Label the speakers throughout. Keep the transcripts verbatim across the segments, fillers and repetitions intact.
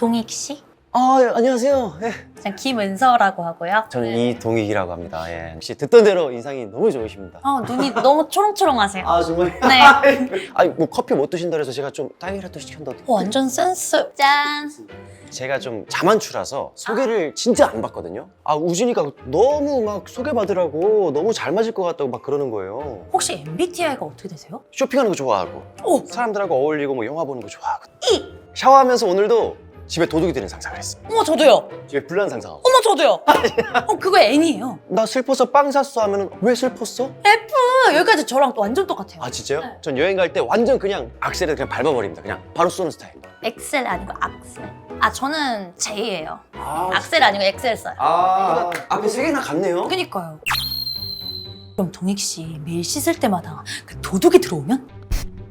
Speaker 1: 동익 씨?
Speaker 2: 아, 예, 안녕하세요. 예.
Speaker 1: 저는 김은서라고 하고요.
Speaker 2: 저는 이동익이라고 합니다. 예. 혹시 듣던 대로 인상이 너무 좋으십니다.
Speaker 1: 어, 눈이 너무 초롱초롱하세요.
Speaker 2: 아, 정말?
Speaker 1: 네.
Speaker 2: 아니, 뭐 커피 못 드신다 그래서 제가 좀 딸기라도 시켰는데.
Speaker 1: 어, 완전 센스. 짠.
Speaker 2: 제가 좀 자만추라서 소개를 진짜 안 받거든요. 아, 우진이가 너무 막 소개받으라고 너무 잘 맞을 것 같다고 막 그러는 거예요.
Speaker 1: 혹시 엠비티아이가 어떻게 되세요?
Speaker 2: 쇼핑하는 거 좋아하고
Speaker 1: 오!
Speaker 2: 사람들하고 어울리고 뭐 영화 보는 거 좋아하고
Speaker 1: 이!
Speaker 2: 샤워하면서 오늘도 집에 도둑이 드는 상상을 했어.
Speaker 1: 어머, 저도요.
Speaker 2: 집에 불난 상상하고.
Speaker 1: 어머, 저도요. 어, 그거 N이에요.
Speaker 2: 나 슬퍼서 빵 샀어 하면은 왜 슬펐어?
Speaker 1: F! 여기까지 저랑 또 완전 똑같아요.
Speaker 2: 아, 진짜요?
Speaker 1: 네.
Speaker 2: 전 여행 갈 때 완전 그냥 악셀을 그냥 밟아버립니다. 그냥 바로 쏘는 스타일.
Speaker 1: 엑셀 아니고 악셀. 아, 저는 J예요.
Speaker 2: 아,
Speaker 1: 악셀 아니고 엑셀 써요.
Speaker 2: 아, 앞에 세 개나 같네요.
Speaker 1: 그니까요. 그럼 동익 씨 매일 씻을 때마다 그 도둑이 들어오면?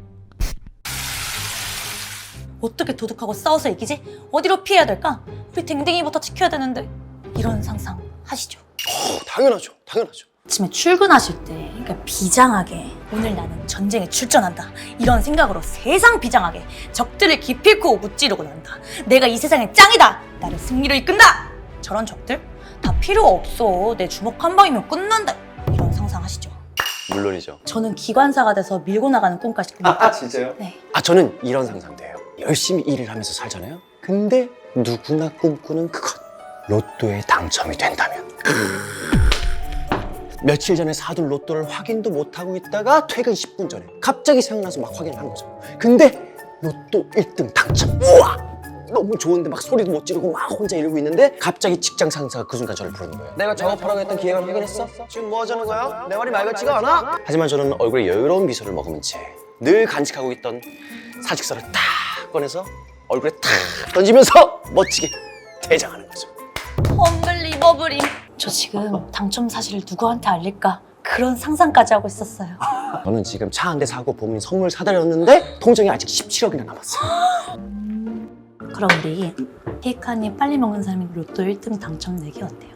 Speaker 1: 어떻게 도둑하고 싸워서 이기지? 어디로 피해야 될까? 우리 댕댕이부터 지켜야 되는데 이런 상상 하시죠?
Speaker 2: 어, 당연하죠. 당연하죠.
Speaker 1: 아침에 출근하실 때 그러니까 비장하게 오늘 나는 전쟁에 출전한다 이런 생각으로 세상 비장하게 적들을 기필코 무찌르고 난다. 내가 이 세상의 짱이다. 나를 승리로 이끈다. 저런 적들 다 필요 없어. 내 주먹 한 방이면 끝난다. 이런 상상 하시죠?
Speaker 2: 물론이죠.
Speaker 1: 저는 기관사가 돼서 밀고 나가는 꿈까지 꿉니다.
Speaker 2: 아, 진짜요?
Speaker 1: 네.
Speaker 2: 아, 저는 이런 상상돼요. 열심히 일을 하면서 살잖아요. 근데 누구나 꿈꾸는 그것. 로또에 당첨이 된다면. 며칠 전에 사둔 로또를 확인도 못하고 있다가 퇴근 십 분 전에 갑자기 생각나서 막 확인을 하는 거죠. 근데 로또 일 등 당첨. 우와! 너무 좋은데 막 소리도 못 지르고 막 혼자 이러고 있는데 갑자기 직장 상사가 그 순간 저를 부르는 거예요. 내가 작업하라고 했던 계획을 확인했어? 지금 뭐 하자는 거야? 내 말이 말 같지가 않아? 하지만 저는 얼굴에 여유로운 미소를 머금은 채 늘 간직하고 있던 사직서를 딱 꺼내서 얼굴에 탁 던지면서 멋지게 퇴장하는 거죠.
Speaker 1: 험블리버블임. 저 지금 당첨 사실을 누구한테 알릴까 그런 상상까지 하고 있었어요.
Speaker 2: 저는 지금 차 한 대 사고 부모님 선물 사드렸는데 통장에 아직 십칠억이나 남았어요.
Speaker 1: 그럼 우리 케이크 한 입 빨리 먹는 사람이 로또 일 등 당첨 내기 어때요?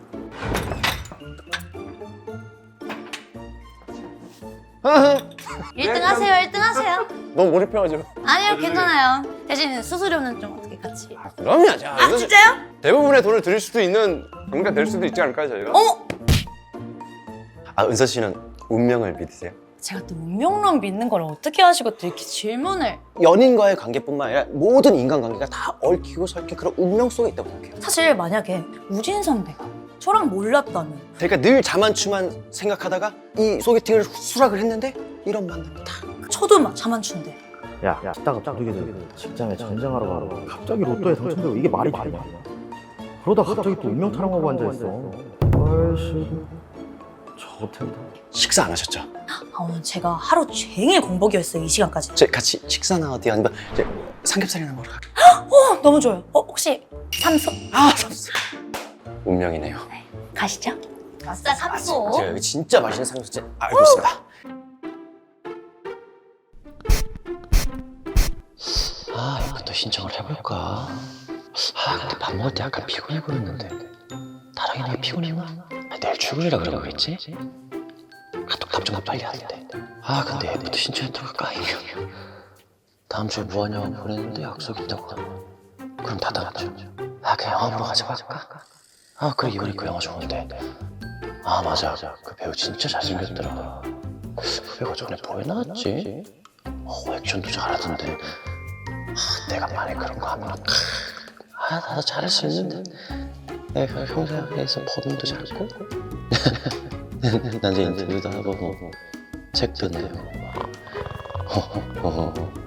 Speaker 1: 일 등 하세요. 일 등 하세요.
Speaker 2: 너무 몰입해가지고.
Speaker 1: 아니요, 괜찮아요. 대신 수수료는 좀 어떻게 같이.
Speaker 2: 아, 그럼요. 자,
Speaker 1: 아, 진짜요?
Speaker 2: 대부분의 돈을 드릴 수도 있는 경우가 될 수도 있지 않을까요, 저희가?
Speaker 1: 어머!
Speaker 2: 아, 은서 씨는 운명을 믿으세요?
Speaker 1: 제가 또 운명론 믿는 걸 어떻게 하시고 또 이렇게 질문을.
Speaker 2: 연인과의 관계뿐만 아니라 모든 인간관계가 다 얽히고 설킨 그런 운명 속에 있다고 생각해요.
Speaker 1: 사실 만약에 우진 선배가 저랑 몰랐다면
Speaker 2: 그러니까 늘 자만추만 생각하다가 이 소개팅을 수락을 했는데 이런 만남이 다.
Speaker 1: 저도 막 자만추인데
Speaker 3: 야, 딱 도둑이들 직장에 전쟁하러 가고 갑자기 로또에 당첨되고 이게 말이 되냐? 그러다 갑자기 또 운명 타령하고 앉아있어. 아이씨, 저 같은
Speaker 2: 식사 안 하셨죠?
Speaker 1: 아, 오늘 제가 하루 종일 공복이었어요. 이 시간까지.
Speaker 2: 저희 같이 식사나 어디 아니면 이제 삼겹살이나 먹으러 갈까요?
Speaker 1: 어, 너무 좋아요. 어, 혹시 삼소?
Speaker 2: 아, 삼겹살. 운명이네요.
Speaker 1: 가시죠. 아싸 삼소.
Speaker 2: 제가 여기 진짜 맛있는 삼겹살 알고 있습니다. 아, 이것도 신청을 해볼까? 아, 근데 밥 먹을 때 약간 피곤해 보였는데 다랑이 내가 피곤했나? 아, 내일 출근이라 그러고 그랬지? 카톡 답장 빨리 하는데 아, 근데 애프터 신청했다고 까이면 다음 주에 뭐 하냐고 보냈는데 약속 있다고. 그럼 다 다음 주. 아, 그냥 영화 보러 가자고 할까? 아, 그래, 이번에 그 영화 좋은데. 아, 맞아. 그 배우 진짜 잘생겼더라. 그 배우가 전에 뭐에 나왔지? 어, 액션도 잘하던데. 아, 내가 만약 그런 거 하면 아, 나도 잘할 수 있는데. 내가 평소에서 법인도 잘고 나중에 인터뷰도 해보고 책도 내고 막